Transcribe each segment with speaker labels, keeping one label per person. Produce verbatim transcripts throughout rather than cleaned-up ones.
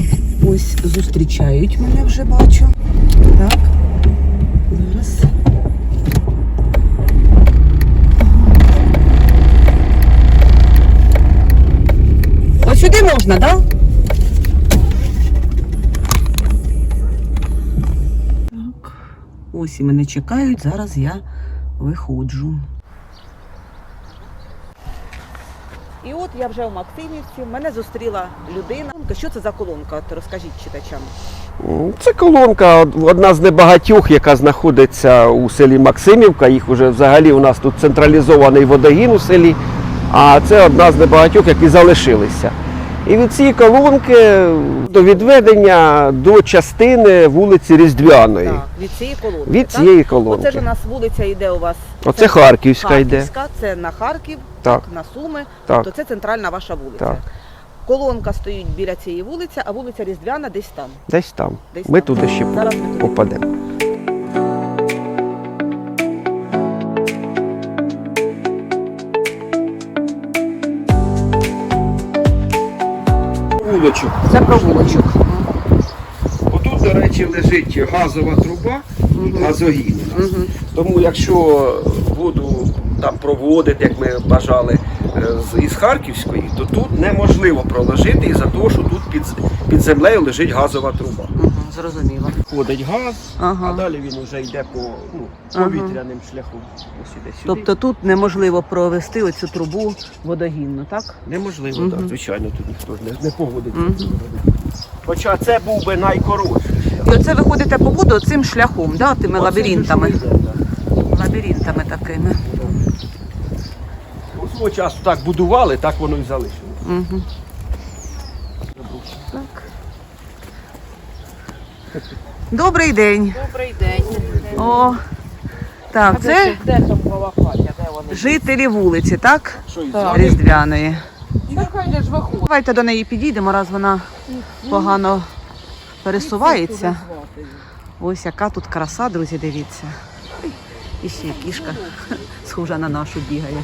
Speaker 1: Ось зустрічають мене, вже бачу. Так, зараз. Ось сюди можна, так? Так. Ось і мене чекають, зараз я виходжу. І от я вже у Максимівці, мене зустріла людина. Що це за колонка? От розкажіть читачам.
Speaker 2: Це колонка одна з небагатьох, яка знаходиться у селі Максимівка. Їх вже взагалі у нас тут централізований водогін у селі, а це одна з небагатьох, які залишилися. І від цієї колонки до відведення до частини вулиці Різдвяної.
Speaker 1: Так, від цієї колонки.
Speaker 2: Від
Speaker 1: так?
Speaker 2: цієї колонки.
Speaker 1: Оце ж у нас вулиця йде у вас.
Speaker 2: Оце
Speaker 1: це
Speaker 2: Харківська,
Speaker 1: Харківська
Speaker 2: йде.
Speaker 1: Це на Харків,
Speaker 2: Так.
Speaker 1: на Суми,
Speaker 2: Так.
Speaker 1: то це центральна ваша вулиця.
Speaker 2: Так.
Speaker 1: Колонка стоїть біля цієї вулиці, а вулиця Різдвяна десь там.
Speaker 2: Десь там.
Speaker 1: Десь
Speaker 2: Ми
Speaker 1: там.
Speaker 2: туди ще
Speaker 1: Зараз ми туди
Speaker 2: попадемо. Вуличок.
Speaker 1: Це провулочок.
Speaker 2: Отут, до речі, лежить газова труба,
Speaker 1: Угу.
Speaker 2: газогін у нас.
Speaker 1: Угу.
Speaker 2: Тому якщо воду там проводити, як ми бажали, з- із Харківської, то тут неможливо проложити із-за того, що тут під, під землею лежить газова труба.
Speaker 1: Угу, зрозуміло.
Speaker 2: Ходить газ,
Speaker 1: Ага.
Speaker 2: а далі він вже йде по ну,
Speaker 1: Ага.
Speaker 2: повітряним шляхом. Ось іде сюди.
Speaker 1: Тобто тут неможливо провести оцю трубу водогінну, так?
Speaker 2: Неможливо,
Speaker 1: Мгм.
Speaker 2: так, звичайно, тут ніхто ж не, не погодиться.
Speaker 1: Мгм.
Speaker 2: Хоча це був би найкоротший.
Speaker 1: І оце ви ходите по воду цим шляхом, да? Тими лабіринтами.
Speaker 2: Оце ж йде, так.
Speaker 1: Лабіринтами такими.
Speaker 2: У свого часу так будували, так воно і залишилося.
Speaker 1: Угу. Так. Добрий день.
Speaker 3: Добрий день.
Speaker 1: О, так, це
Speaker 3: Де там Балахатя, де вони?
Speaker 1: жителі вулиці, так?
Speaker 2: Що із
Speaker 3: Так.
Speaker 1: Різдвяної.
Speaker 3: Нехай же ж виходить.
Speaker 1: Давайте до неї підійдемо, раз вона погано пересувається. Ось яка тут краса, друзі, дивіться. Ой, і ще кішка схожа на нашу бігає.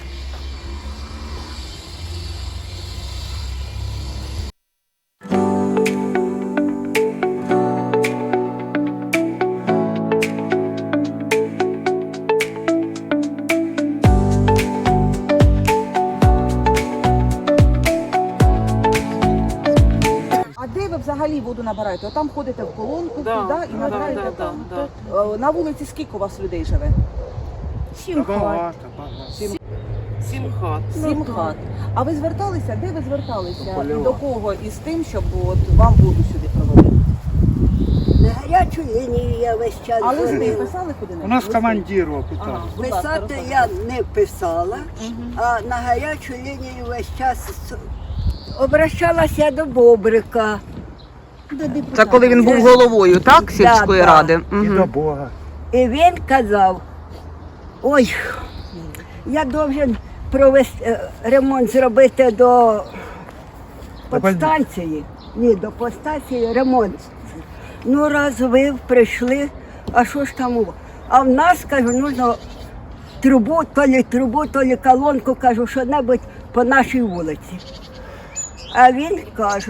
Speaker 1: А де ви взагалі воду набираєте? Там ходите в колонку
Speaker 3: Да,
Speaker 1: туди і
Speaker 3: да,
Speaker 1: набираєте
Speaker 3: да,
Speaker 1: там?
Speaker 3: да, да.
Speaker 1: Е, На вулиці скільки у вас людей живе?
Speaker 3: Сім хат.
Speaker 1: Сім,
Speaker 3: Сім хат.
Speaker 1: Сім хат. А ви зверталися? Де ви зверталися?
Speaker 2: До Польова.
Speaker 1: І до кого із тим, щоб от вам воду сюди провели?
Speaker 4: На гарячу лінію я весь час
Speaker 1: А листи
Speaker 4: ходила.
Speaker 1: писали куди-небудь?
Speaker 5: У нас
Speaker 1: Листи?
Speaker 5: командир
Speaker 1: Ага,
Speaker 5: питав.
Speaker 1: будь ласка,
Speaker 4: Писати
Speaker 1: розказуйте.
Speaker 4: я не писала,
Speaker 1: Мгм.
Speaker 4: а на гарячу лінію весь час с- обращалася до Бобрика. До
Speaker 1: Це
Speaker 4: депутата.
Speaker 1: коли він був головою, так, сільської
Speaker 4: да.
Speaker 1: ради?
Speaker 5: І
Speaker 1: Мгм.
Speaker 5: до Бога.
Speaker 4: І він казав, ой, я должен провести е, ремонт зробити до подстанції. Ні, до подстанції ремонт. Ну, раз ви прийшли, а що ж там? у- А в нас, кажу, нужно трубу, то лі трубу, то лі колонку, кажу, що-небудь по нашій вулиці. А він каже,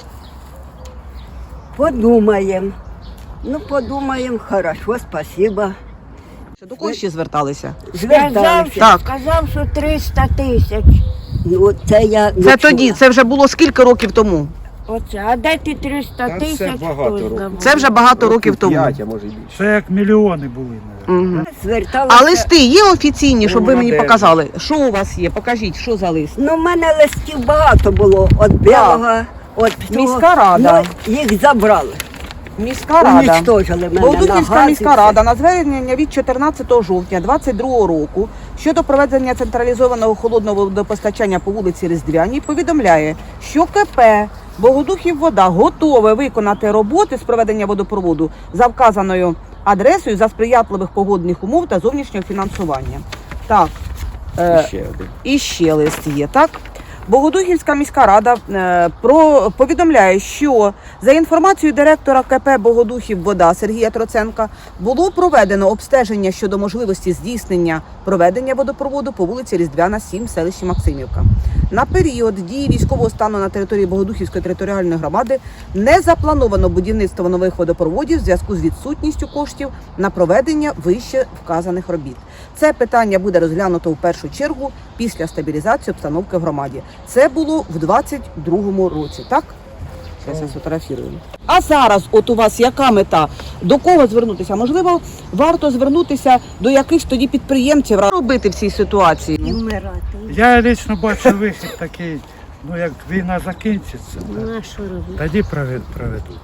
Speaker 4: подумаємо. Ну, подумаємо, хорошо, спасибо.
Speaker 1: До кого ще зверталися?
Speaker 4: Зверталися.
Speaker 1: Так.
Speaker 4: Сказав, що триста тисяч. Ну, це я не
Speaker 1: Це
Speaker 4: чула.
Speaker 1: тоді, це вже було скільки років тому?
Speaker 4: Оце, а де ти триста
Speaker 2: Та це
Speaker 4: тисяч?
Speaker 2: багато
Speaker 4: хто
Speaker 2: років.
Speaker 4: знає?
Speaker 1: Це вже багато років тому.
Speaker 2: П'ять, а може й більше.
Speaker 5: Це як мільйони були, мабуть.
Speaker 1: Мгм.
Speaker 4: Зверталася.
Speaker 1: А листи є офіційні, щоб ви мені
Speaker 2: Молодець.
Speaker 1: показали? Що у вас є? Покажіть, що за лист?
Speaker 4: Ну, в мене листів багато було. От білого, от того.
Speaker 1: Міська рада.
Speaker 4: Ну, їх забрали.
Speaker 1: Міська рада.
Speaker 4: Уничтожили мене.
Speaker 1: Болдуківська
Speaker 4: на газ і
Speaker 1: міська
Speaker 4: все.
Speaker 1: рада на звернення від чотирнадцятого жовтня двадцять другого року щодо проведення централізованого холодного водопостачання по вулиці Різдвяній повідомляє, що КП Богодухів вода готове виконати роботи з проведення водопроводу за вказаною адресою за сприятливих погодних умов та зовнішнього фінансування. Так,
Speaker 2: І
Speaker 1: е,
Speaker 2: ще один.
Speaker 1: і ще лист є, так? Богодухівська міська рада е, про повідомляє, що за інформацією директора КП Богодухів-Вода Сергія Троценка було проведено обстеження щодо можливості здійснення проведення водопроводу по вулиці Різдвяна, сім в селищі Максимівка. На період дії військового стану на території Богодухівської територіальної громади не заплановано будівництво нових водопроводів в зв'язку з відсутністю коштів на проведення вище вказаних робіт. Це питання буде розглянуто в першу чергу після стабілізації обстановки в громаді. Це було в двадцять другому році, так? Зараз я сфотографірую. А зараз от у вас яка мета? До кого звернутися? Можливо, варто звернутися до якихось тоді підприємців, робити в цій ситуації?
Speaker 4: І вмирати.
Speaker 5: Я лично бачу вихід такий, ну як війна закінчиться,
Speaker 4: Ну, а що робити?
Speaker 5: тоді провед- проведуть.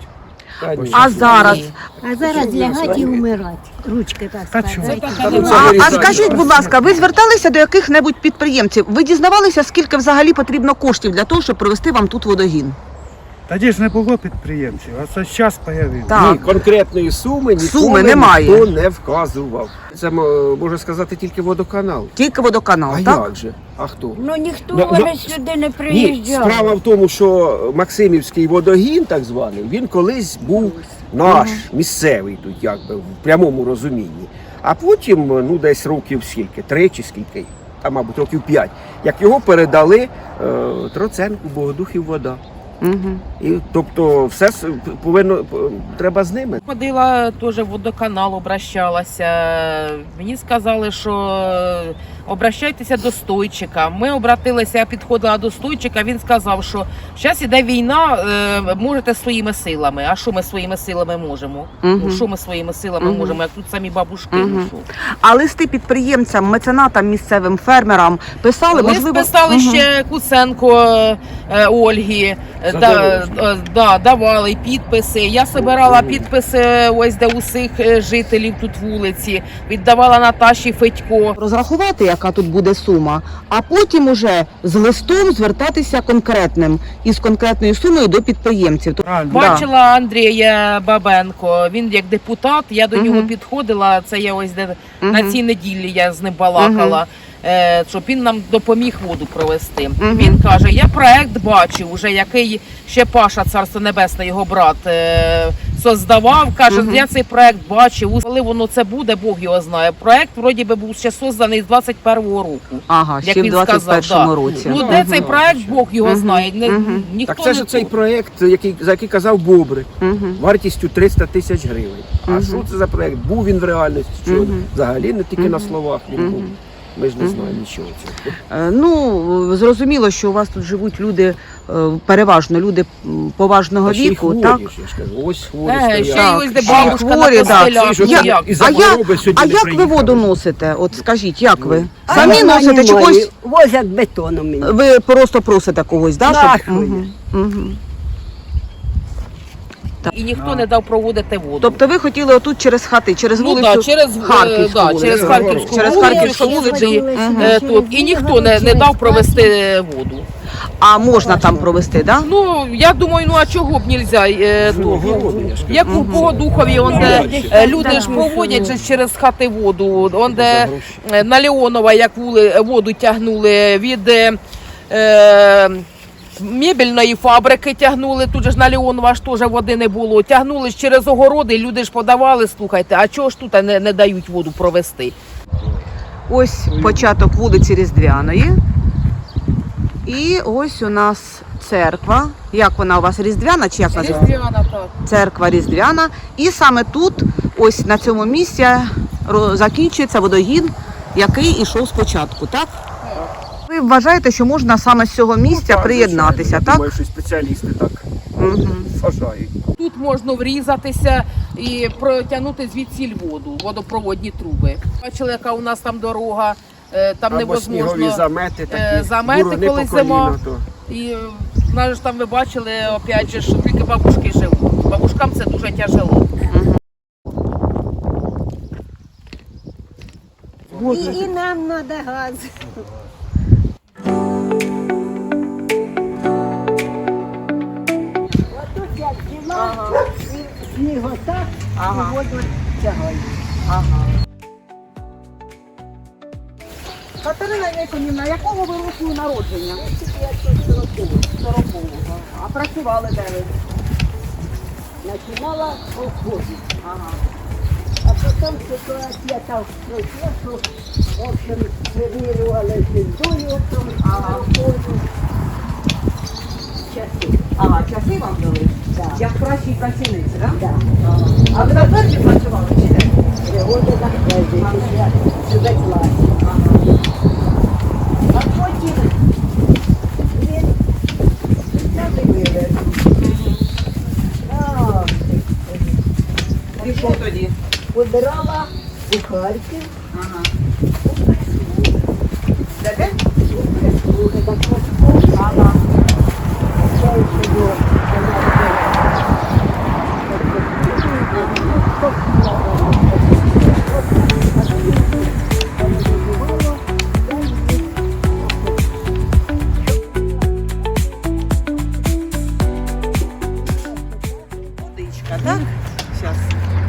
Speaker 1: А зараз?
Speaker 4: А зараз лягати і вмирати. Ручки так
Speaker 5: Та
Speaker 4: складати.
Speaker 5: чого?
Speaker 1: А, а скажіть, будь ласка, ви зверталися до яких-небудь підприємців? Ви дізнавалися, скільки взагалі потрібно коштів для того, щоб провести вам тут водогін?
Speaker 5: Тоді ж не було підприємців, а це зараз з'явився.
Speaker 1: Так.
Speaker 2: Ні, конкретної суми ніколи
Speaker 1: Суми немає.
Speaker 2: ніхто не вказував. Це м, може сказати тільки водоканал.
Speaker 1: Тільки водоканал,
Speaker 2: А
Speaker 1: так?
Speaker 2: як же? А хто?
Speaker 4: Ну ніхто
Speaker 2: Ну, ну,
Speaker 4: вже сюди не
Speaker 2: Ні,
Speaker 4: приїжджав.
Speaker 2: справа в тому, що Максимівський водогін, так званий, він колись був наш, місцевий тут, якби, в прямому розумінні. А потім, ну десь років скільки, три чи скільки, а мабуть років п'ять, як його передали е, Троценку, Богодухів вода.
Speaker 1: Угу.
Speaker 2: І, тобто все с- повинно, п- треба з ними.
Speaker 3: Ходила теж в водоканал, обращалася. Мені сказали, що обращайтеся до стойчика. Ми обратилися, я підходила до стойчика, він сказав, що зараз іде війна, е, можете своїми силами. А що ми своїми силами можемо?
Speaker 1: Мгм.
Speaker 3: Ну, що ми своїми силами
Speaker 1: Мгм.
Speaker 3: можемо, як тут самі бабушки?
Speaker 1: Мгм.
Speaker 3: Ну, що?
Speaker 1: А листи підприємцям, меценатам, місцевим фермерам писали,
Speaker 3: Лист
Speaker 1: можливо,
Speaker 3: писали
Speaker 1: Мгм.
Speaker 3: ще Куценко е, Ольгі, е, да,
Speaker 2: Задорожній.
Speaker 3: е, да, давали підписи. Я збирала підписи ось де усіх е, жителів тут вулиці, віддавала Наташі Федько.
Speaker 1: розрахувати, яка тут буде сума, а потім уже з листом звертатися конкретним із конкретною сумою до підприємців.
Speaker 5: Правильно.
Speaker 1: Да.
Speaker 3: Бачила Андрія Бабенко, він як депутат, я до
Speaker 1: Мгм.
Speaker 3: нього підходила, це я ось де
Speaker 1: Мгм.
Speaker 3: на цій неділі я з ним балакала. е, Щоб він нам допоміг воду провести.
Speaker 1: Мгм.
Speaker 3: Він каже: я проект бачив, уже який ще Паша, царство небесне, його брат, е, создавав. Каже,
Speaker 1: Мгм.
Speaker 3: я цей проект бачив. Коли воно це буде, Бог його знає. Проект вроді би був ще созданий з двадцять першого року.
Speaker 1: Ага,
Speaker 3: Як
Speaker 1: ще в
Speaker 3: він
Speaker 1: двадцять першому
Speaker 3: сказав, да.
Speaker 1: році.
Speaker 3: Ну
Speaker 2: Ну,
Speaker 3: де
Speaker 2: мгм.
Speaker 3: цей проект, Бог його
Speaker 1: Мгм.
Speaker 3: знає. Не,
Speaker 1: Мгм.
Speaker 3: ніхто
Speaker 2: Так це ж
Speaker 3: не
Speaker 2: цей проєкт, який, за який казав Бобрик,
Speaker 1: Мгм.
Speaker 2: вартістю триста тисяч гривень. А
Speaker 1: Мгм.
Speaker 2: що це за проєкт? Був він в реальності? Чи
Speaker 1: Мгм.
Speaker 2: взагалі не тільки на
Speaker 1: Мгм.
Speaker 2: словах він
Speaker 1: Мгм.
Speaker 2: був? Ми ж не
Speaker 1: Мгм.
Speaker 2: знаємо нічого цього.
Speaker 1: Е, Ну, зрозуміло, що у вас тут живуть люди, е, переважно люди м, поважного
Speaker 2: Та ще й
Speaker 1: віку,
Speaker 2: хворі,
Speaker 1: так?
Speaker 2: ж, я ж кажу, ось хворі
Speaker 3: Е,
Speaker 2: стоять.
Speaker 3: ще й
Speaker 1: Так,
Speaker 3: ось де
Speaker 1: ще
Speaker 3: бабушка
Speaker 1: хворі,
Speaker 3: на
Speaker 1: да.
Speaker 3: костелях.
Speaker 2: Ці ж
Speaker 3: Ну,
Speaker 2: от
Speaker 3: як?
Speaker 2: із
Speaker 1: А я-
Speaker 2: хвороби сьогодні
Speaker 1: А
Speaker 2: не
Speaker 1: як ви
Speaker 2: приїхали.
Speaker 1: воду носите? От скажіть, як ви?
Speaker 4: А
Speaker 1: Самі
Speaker 4: нема,
Speaker 1: носите чи
Speaker 4: немає.
Speaker 1: когось?
Speaker 4: Возять бетоном мені.
Speaker 1: Ви просто просите когось, да?
Speaker 4: Нашої.
Speaker 1: Щоб... Мгм. Мгм.
Speaker 3: І ніхто не дав проводити воду.
Speaker 1: Тобто ви хотіли отут через хати, через
Speaker 3: Ну,
Speaker 1: вулицю
Speaker 3: да, через, е,
Speaker 1: Харківську
Speaker 3: да,
Speaker 1: вулицю.
Speaker 3: через Харківську
Speaker 1: Через
Speaker 3: вулицю,
Speaker 1: Харківську
Speaker 3: щоб
Speaker 1: вулицю.
Speaker 3: сюди,
Speaker 1: Мгм.
Speaker 3: е, тут. І ніхто не, не дав провести воду.
Speaker 1: А можна там провести, да?
Speaker 3: Ну, я думаю, ну а чого б нельзя? Е,
Speaker 2: Ну,
Speaker 3: тут?
Speaker 2: огороди, я ж кажу.
Speaker 3: Як у Богодухові, он де е, люди ж проводять же через хати воду, он де е, на Леонова, як вули, воду тягнули від е, е, мебельної фабрики тягнули, тут же ж на Леонова ж теж води не було. Тягнули ж через огороди, люди ж подавали, слухайте, а чого ж тут не, не дають воду провести?
Speaker 1: Ось початок вулиці Різдвяної. І ось у нас церква. Як вона у вас, Різдвяна чи як називається?
Speaker 3: Різдвяна, так.
Speaker 1: Церква Різдвяна. І саме тут, ось на цьому місці, ро- закінчується водогін, який ішов спочатку, так? Ви вважаєте, що можна саме з цього місця
Speaker 2: Так,
Speaker 1: приєднатися,
Speaker 2: звичайно.
Speaker 1: так?
Speaker 2: Думаю, що спеціалісти так
Speaker 1: Угу.
Speaker 2: вважають.
Speaker 3: Тут можна врізатися і протягнути звідсіль воду, водопроводні труби. Бачили, яка у нас там дорога, е, там
Speaker 2: Або снігові
Speaker 3: невозможно.
Speaker 2: замети
Speaker 3: е,
Speaker 2: такі,
Speaker 3: замети,
Speaker 2: буруни
Speaker 3: коли
Speaker 2: по коліна,
Speaker 3: зима.
Speaker 2: то.
Speaker 3: І е, нас ж там ви бачили, опять же, що тільки бабушки живуть. Бабушкам це дуже тяжело.
Speaker 4: І, і нам треба газ. Отут як діла, і сніг отак, і воду тягають.
Speaker 1: Катерина Яконівна, якого ви року народження? сорокового. А працювали де ви?
Speaker 4: Починала в колхозі.
Speaker 1: Ага.
Speaker 4: А потім ситуація так пройшла, що, в общем, вимірювали землею, там,
Speaker 1: Ага.
Speaker 4: колхозу. Часи.
Speaker 1: Ага, часи вам дали?
Speaker 4: Да.
Speaker 1: Як кращій працівниці, так?
Speaker 4: Да.
Speaker 1: Ага. А ви на фермі працювали чи де?
Speaker 4: Пригоди на хлебі, я себе класі. А потім він взяв і вивез. А,
Speaker 1: І що тоді?
Speaker 4: Подирала у Харків.
Speaker 1: Ага. Де де?
Speaker 4: Слухай, так просто.
Speaker 1: Ага.
Speaker 4: Це й було.
Speaker 1: Водичка, так? Зараз.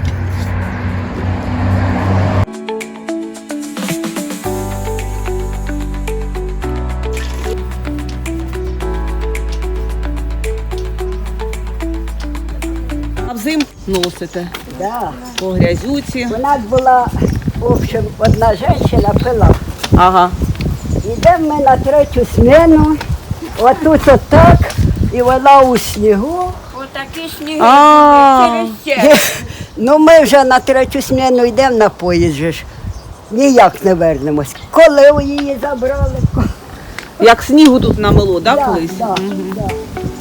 Speaker 1: А взимку носите
Speaker 4: Да.
Speaker 1: по грязюці.
Speaker 4: У нас була, в общем, одна жінка пила.
Speaker 1: Ага.
Speaker 4: Йдемо ми на третю зміну, отут отак, і вона у снігу.
Speaker 6: Отакі сніги
Speaker 1: А.
Speaker 6: через це.
Speaker 4: Ну ми вже на третю зміну йдемо на поїзд же ж. Ніяк не вернемось. Коли її забрали?
Speaker 1: Як снігу тут намело, так,
Speaker 4: Да,
Speaker 1: колись?
Speaker 4: да, да.